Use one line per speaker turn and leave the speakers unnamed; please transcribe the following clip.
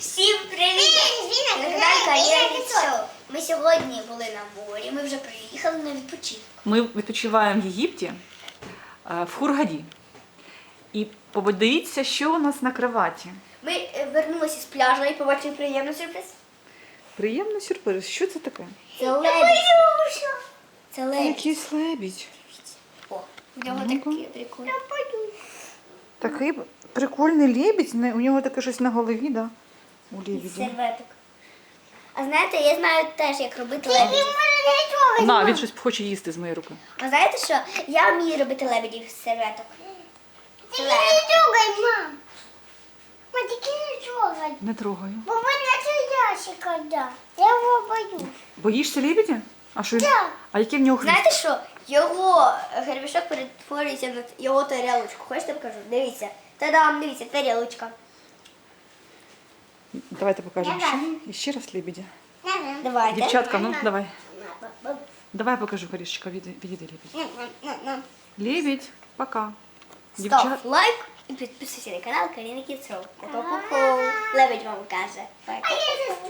Всім привіт! На каналі Кар'єрний Шоу. Ми сьогодні були на морі, ми вже приїхали на відпочинок.
Ми відпочиваємо в Єгипті, в Хургаді. І подивіться, що у нас на кроваті.
Ми вернулися з пляжу і побачили приємний сюрприз.
Приємний сюрприз. Що це таке?
Це лебідь. Це лебідь.
Якийсь лебідь.
О, в нього такий прикольний.
Такий прикольний лебідь. У нього таке щось на голові, да? У лебідя.
Серветок. А знаєте, я знаю теж, як робити лебедів.
На, він щось хоче їсти з моєї руки.
А знаєте що? Я вмію робити лебедів з серветок.
Ты не трогай, мам. Мам, ты не трогай.
Не трогаю.
Бо мене ящик когда. Я его боюсь.
Боїшся лебедя? А що він?
Да.
А який в нього хвіст?
Знаєте що? Його гребешок перетворюється на його тарілочку. Хочете покажу? Дивіться. Та-дам, дивіться, тарілочка.
Давайте покажемо
Давай.
ще. І ще раз лебедя.
Давайте.
Дівчатка, ну давай. Давай покажу, Карішечка, відійди лебедь. Лебедь, пока.
Став лайк і підписуйся на канал Каріна Кіцров. Лебедь вам каже. Пока.